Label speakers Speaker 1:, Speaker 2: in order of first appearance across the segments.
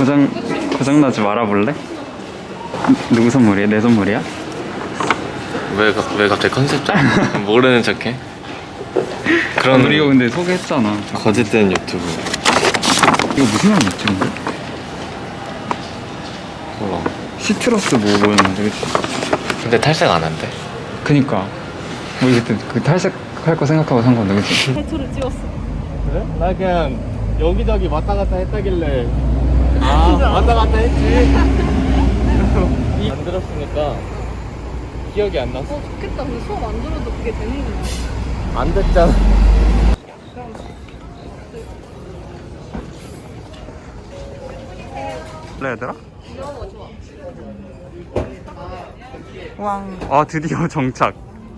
Speaker 1: 고장나지 말아볼래? 누구 선물이야? 내 선물이야?
Speaker 2: 왜 갑자기 컨셉 모르는 척해? 그런
Speaker 1: 우리가 근데 소개했잖아.
Speaker 2: 거짓된 유튜브.
Speaker 1: 이거 무슨 향 유튜브인데?
Speaker 2: 몰라.
Speaker 1: 시트러스 뭐였는데, 그치?
Speaker 2: 근데 탈색 안 한대.
Speaker 1: 그니까 우리 그때 그 탈색할 거 생각하고 산 건데, 그치?
Speaker 3: 대초를 찍었어.
Speaker 2: 그래? 나 그냥 여기저기 왔다 갔다 했다길래 왔다 갔다 했지. 안 들었으니까 기억이 안 났어.
Speaker 3: 좋겠다. 근데 수업 안 들어도 그게 되는구나.
Speaker 2: 안 됐잖아.
Speaker 1: 그래 얘들아?
Speaker 3: 이런 거 좋아.
Speaker 1: 왕. 아 드디어 정착.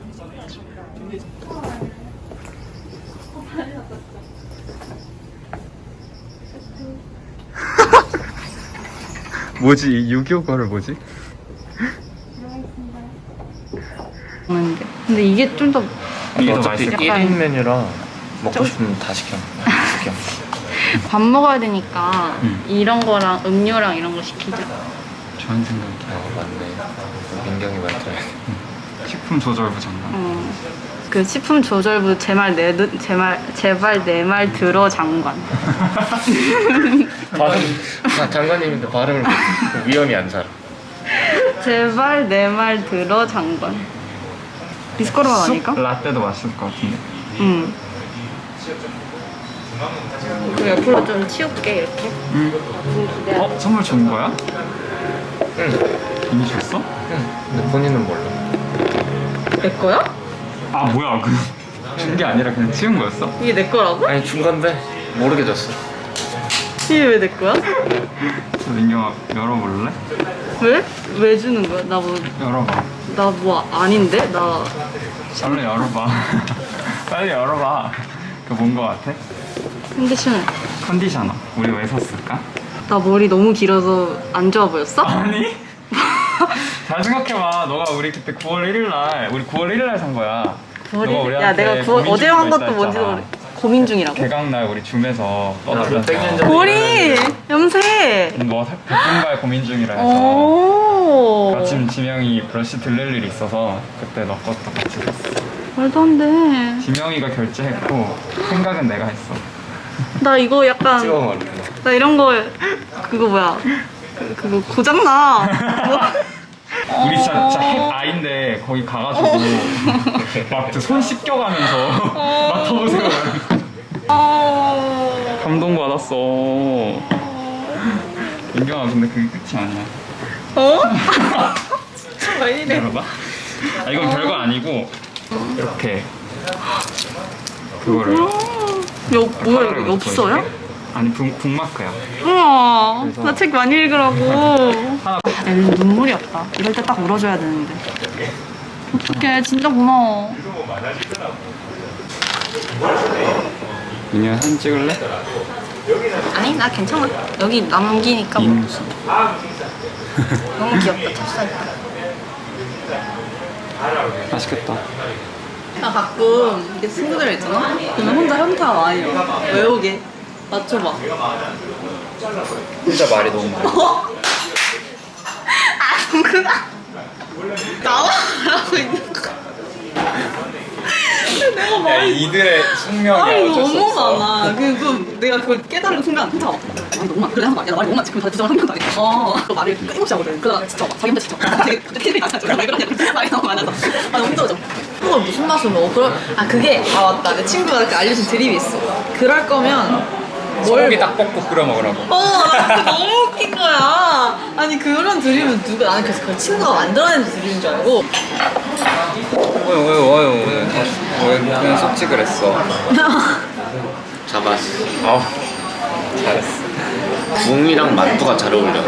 Speaker 1: 뭐지? 이 6.25거를 뭐지?
Speaker 3: 근데 이게 좀 더
Speaker 1: 이게 더
Speaker 2: 어차피
Speaker 1: 맛있을
Speaker 2: 1인 메뉴라 먹고 싶으면 다 시켜.
Speaker 3: 밥 먹어야 되니까
Speaker 1: 응.
Speaker 3: 이런 거랑 음료랑 이런 거 시키자.
Speaker 1: 좋은 생각이야.
Speaker 2: 맞네. 민경이 말투야.
Speaker 1: 식품 조절부 장관.
Speaker 3: 그 식품 조절부 제발 내 말 들어 장관.
Speaker 2: 장관님인데 발음을 위험이 안 살아.
Speaker 3: 제발 내 말 들어 장관. 비스코르만 아닐까?
Speaker 1: 라떼도 맛있을 것 같은데.
Speaker 3: 응. 그 옆으로 좀 치울게 이렇게.
Speaker 1: 어? 선물 준 거야?
Speaker 2: 응.
Speaker 1: 이미 줬어?
Speaker 2: 응. 근데 본인은 몰라.
Speaker 3: 내 거야?
Speaker 1: 아 뭐야 그 준 게 아니라 그냥 치운 거였어?
Speaker 3: 이게 내 거라고?
Speaker 2: 아니 준 건데 모르게 줬어.
Speaker 3: 이게 왜 내 거야?
Speaker 1: 민경아 열어볼래?
Speaker 3: 왜? 왜 주는 거야?
Speaker 1: 열어봐.
Speaker 3: 나 뭐 아닌데? 나
Speaker 1: 빨리 열어봐. 빨리 열어봐. 그거 뭔 거 같아?
Speaker 3: 컨디셔너.
Speaker 1: 컨디셔너. 우리 왜 샀을까?
Speaker 3: 나 머리 너무 길어서 안 좋아 보였어?
Speaker 1: 아니? 잘 생각해봐. 너가 우리 그때 9월 1일날 우리 9월 1일날 산 거야. 너가
Speaker 3: 야
Speaker 1: 우리한테
Speaker 3: 내가
Speaker 1: 고민
Speaker 3: 어제
Speaker 1: 중이고
Speaker 3: 한 것도
Speaker 1: 있다
Speaker 3: 뭔지도
Speaker 1: 했잖아.
Speaker 3: 모르. 고민 중이라고?
Speaker 1: 개강날 우리 줌에서
Speaker 2: 땡겨져.
Speaker 1: 떠들면서
Speaker 3: 머리 염색.
Speaker 1: 뭐 백분발 고민 중이라 해서
Speaker 3: 오.
Speaker 1: 마침 지명이 브러쉬 들릴 일이 있어서 그때 너 것도 같이 샀어.
Speaker 3: 말도 안 돼.
Speaker 1: 지명이가 결제했고 생각은 내가 했어.
Speaker 3: 나 이거 약간
Speaker 2: 찍어 먹을래.
Speaker 3: 나 이런 거 그거 뭐야? 그거 고장 나.
Speaker 1: 우리 진짜 핵 아인데 거기 가가지고 막 손 씻겨가면서 맡아보세요. 감동받았어. 민경아 근데 그게 끝이 아니야.
Speaker 3: 어? 왜 이래?
Speaker 1: 열어봐. 아 이건 별거 아니고 이렇게 그거를
Speaker 3: 뭐야 이거 엽서야?
Speaker 1: 아니 북마크야.
Speaker 3: 우와,
Speaker 1: 그래서-
Speaker 3: 나 책 많이 읽으라고.
Speaker 1: 하나.
Speaker 3: 야, 눈물이 없다. 이럴 때 딱 울어줘야 되는데. 어떡해, 진짜 고마워.
Speaker 1: 민경아 사진 찍을래?
Speaker 3: 아니, 나 괜찮아. 여기 남기니까 뭐.
Speaker 1: 인수.
Speaker 3: 너무 귀엽다, 찹쌀.
Speaker 1: 맛있겠다.
Speaker 3: 나 가끔 이게 친구들 있잖아? 그러면 혼자 현타 많이 외우게. 맞춰봐.
Speaker 2: 진짜 말이 너무 많아.
Speaker 3: 아무거나 나만 말하고 있는 거. 내가 말이
Speaker 2: 이들의 숙명이야.
Speaker 3: 말이
Speaker 2: 어쩔 수
Speaker 3: 너무
Speaker 2: 없어.
Speaker 3: 많아. 내가 그걸 깨달은 순간 진짜 말이 너무 많아. 그래 한 말이야. 나 말이 너무 많지. 그럼 다 부정을 한 명도 아니야. 그 말을 끊임없이 하거든. 그러다가 진짜 막 자기 혼자 진짜 되게 티를 나잖아. 왜 그러냐. 말이 너무 많아서. 너무 힘들어져. 그걸 무슨 맛으로 먹어? 그게 맞다. 내 친구가 이렇게 알려준 드립이 있어. 그럴 거면
Speaker 2: 소고기 딱 볶고 끓여 먹으라고.
Speaker 3: 나 그거 너무 웃긴 거야. 아니 그런 드립은 나는 그래서 그 친구가 만들어낸 드립인 줄 알고.
Speaker 2: 왜 그냥 속직을 했어? 잡았어. 잘했어. 붕이랑 만두가 잘 어울려.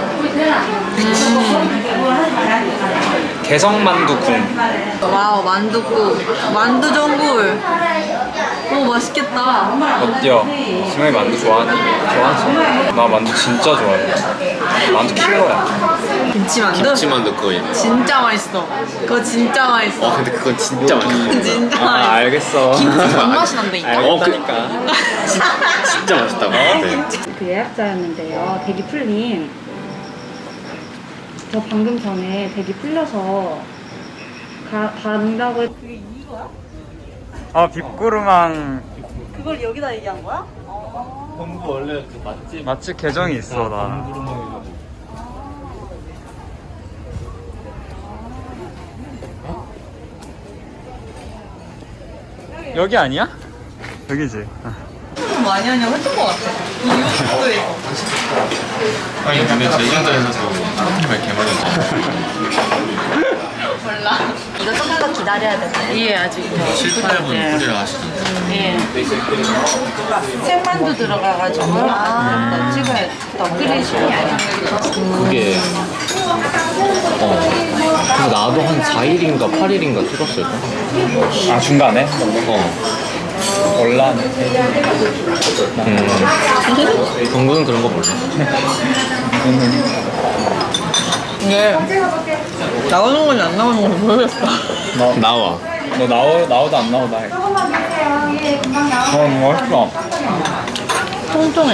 Speaker 2: 개성만두궁.
Speaker 3: 와우 만두국 만두전골. 오 맛있겠다.
Speaker 2: 어때요? 지명이 만두 좋아하니? 좋아하지? 나 만두 진짜 좋아해. 만두 킬러야.
Speaker 3: 김치만두?
Speaker 2: 김치만두 그거 있네.
Speaker 3: 진짜 맛있어. 그거 진짜 맛있어.
Speaker 2: 근데 그건 진짜 맛있어.
Speaker 3: 진짜 맛있어.
Speaker 1: 알겠어.
Speaker 3: 김치 존맛이 난다니까.
Speaker 2: 진짜 맛있다고. 네.
Speaker 4: 그 예약자였는데요. 대기 풀림. 저 방금 전에 대기 풀려서 간다고 그게 이거야?
Speaker 1: 빅구르망
Speaker 3: 그걸 여기다 얘기한 거야?
Speaker 2: 동구 원래 그
Speaker 1: 맛집 계정이 있어 나. 여기 아니야? 여기지.
Speaker 3: 좀 많이 하냐고 했던 것 같아. 이 유튜브에서.
Speaker 2: 아니 근데 제주도에서도 정말 개발했어.
Speaker 3: 몰라. 이거 조금 더 기다려야 된대. 예, 아직.
Speaker 2: 7, 8분 끓이라 하시던데.
Speaker 3: 예. 생만두 들어가가지고 더 찍어야 더 끓이시면
Speaker 2: 그게 그래서 나도 한 4일인가 8일인가 찍었을까?
Speaker 1: 아 중간에? 올라네.
Speaker 2: 동구는 그런 거 몰라.
Speaker 3: 이게 나오는 건지 안 나오는 건지 모르겠어.
Speaker 2: 나와.
Speaker 1: 너 나오다 안 나오다 해. 맛있어.
Speaker 3: 통통해.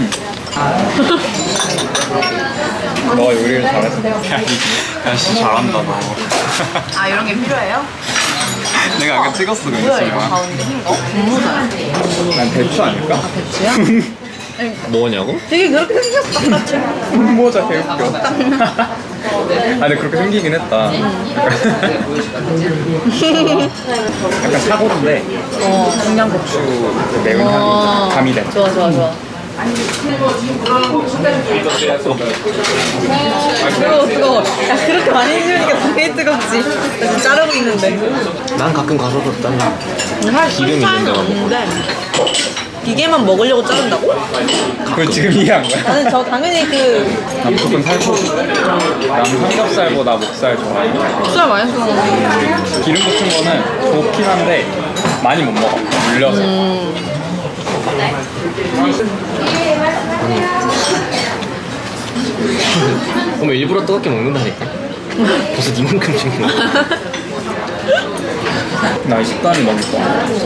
Speaker 1: 너가 요리를 잘해서. 야, 진짜 잘한다 너.
Speaker 3: 아 이런 게 필요해요?
Speaker 1: 내가 아까 찍었어 그
Speaker 3: 뭐야 이거
Speaker 1: 인스타그램.
Speaker 3: 가운데 흰 거? 분모자야.
Speaker 1: 난 대추 아닐까?
Speaker 3: 배추야?
Speaker 2: 뭐냐고?
Speaker 3: 되게 그렇게 생겼어 똑같이.
Speaker 1: 모자 개웃겨. 아 근데 그렇게 생기긴 했다. 약간 사고인데 청양고추 그 매운 향이 가미돼.
Speaker 3: 좋아 좋아 좋아. 뜨거워 뜨거워. 야 그렇게 많이 씹으니까 당연히 뜨겁지. 나 지금 자르고 있는데.
Speaker 2: 난 가끔 가서도 짠다.
Speaker 3: 사실
Speaker 2: 기름 있는 데만
Speaker 3: 없는데 기계만 먹으려고 자른다고?
Speaker 1: 그걸 지금 이해한 거야?
Speaker 3: 나는 저 당연히 그
Speaker 1: 난 무조건 살코기. 난 삼겹살보다 목살 좋아해.
Speaker 3: 국수를 많이 쓰는 건데.
Speaker 1: 기름 붙은 거는 좋긴 한데 많이 못 먹어. 물려서.
Speaker 2: 그럼 일부러 뜨겁게 먹는다니까. 벌써 이만큼 찍는 거야.
Speaker 1: 나 식단이 너무 좋아.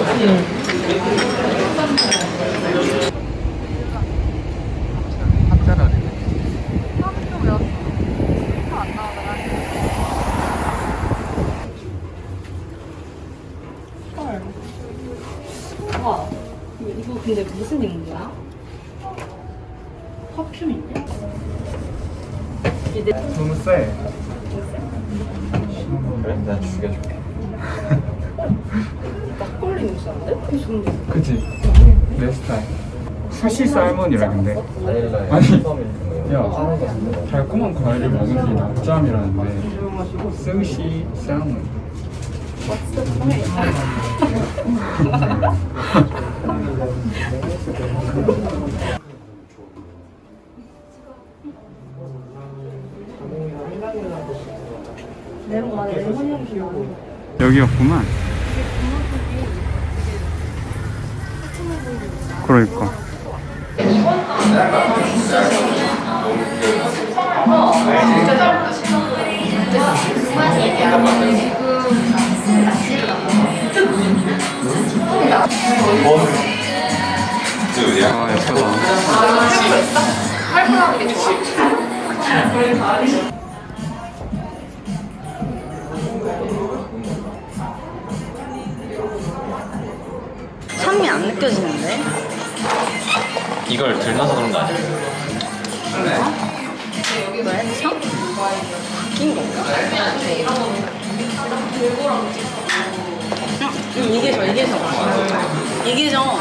Speaker 4: 와, 이거 근데 무슨 인구야? 퍼퓸인데?
Speaker 1: 너무 세.
Speaker 2: 그래? 내가 죽여줄게.
Speaker 4: 막걸리 육수인데? 그 정도.
Speaker 1: 그치? 내 스타일. 스시 살몬이라 근데. 아니, 야, 달콤한 과일을 먹은 게 낮잠이라는데. 스시 살몬. 여기였구만. 그러니까. 아 예쁘다.
Speaker 3: 산미 안 느껴지는데?
Speaker 2: 이걸 들나서 그런 거 아니야?
Speaker 3: 왜? 참? 바뀐 건가? 이게 저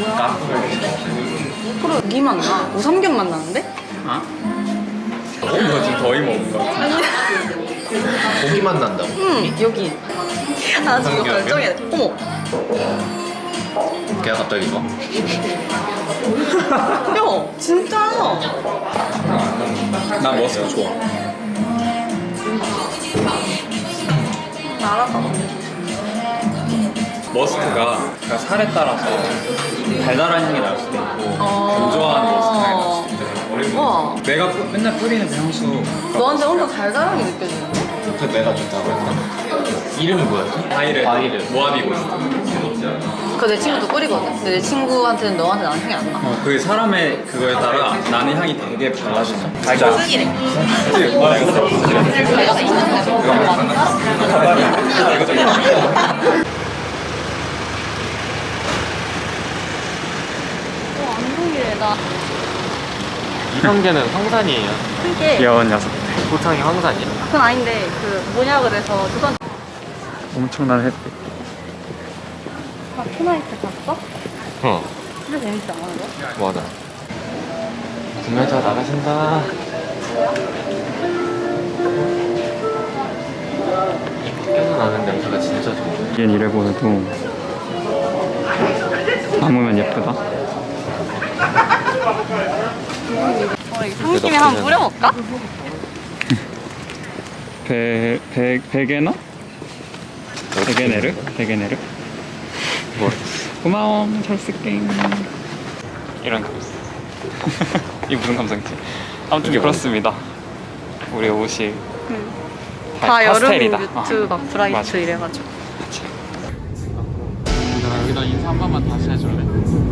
Speaker 3: 프로 고기만 나. 우삼겹만 나는데?
Speaker 1: 아? 너 지금 더위 먹은 거 같아.
Speaker 3: 아니
Speaker 2: 고기만 난다고.
Speaker 3: 응 여기 나 지금 이거 결정해야 돼. 어머
Speaker 2: 걔가 갑자기 이거?
Speaker 3: 야 진짜
Speaker 1: 나 머스크 좋아.
Speaker 3: 알았다.
Speaker 1: 머스크가 그러니까 살에 따라서 달달한 향이 날 수도 있고 건조한 머스크 향이 날 수도 있는데
Speaker 3: 와,
Speaker 1: 내가 맨날 뿌리는 그 향수.
Speaker 3: 너한테 엄청 달달하게 느껴지는데?
Speaker 2: 그 내가 좋다고 했나? 이름이 뭐였지?
Speaker 1: 바이레. 모아비고 있어.
Speaker 3: 그거 내 친구도 뿌리거든? 근데 내 친구한테는 너한테 나는 향이 안 나.
Speaker 1: 그 사람의 그거에 따라 나는 향이 되게 달라져. 진짜.
Speaker 3: 쓰기래. 안동이래, 나.
Speaker 2: 이성계는 황산이에요.
Speaker 3: 그게
Speaker 1: 귀여운 녀석.
Speaker 2: 고창이 황산이야.
Speaker 3: 그건 아닌데, 그 뭐냐 그래서 조선.
Speaker 1: 엄청난 햇빛.
Speaker 3: 투나이트 봤어?
Speaker 2: 어,
Speaker 3: 진짜 재밌지 않아, 이거?
Speaker 2: 맞아. 구매자 나가신다. 이 밖에서 나는 냄새가 진짜 좋은데.
Speaker 1: 이게 이래 보여도 담으면 예쁘다.
Speaker 3: 우리 삼김에 한번 뿌려볼까?
Speaker 1: 베게너? 베게네르?
Speaker 2: 뭐?
Speaker 1: 고마워, 잘 쓸게. 이런 감성. 이게 무슨 감성이지? 아무튼 그렇습니다. 우리 옷이
Speaker 3: 다 여름
Speaker 1: 파스텔이다.
Speaker 3: 뮤트 막 브라이트
Speaker 1: 맞아.
Speaker 3: 이래가지고.
Speaker 1: 여기다 인사 한 번만 다시 해줄래?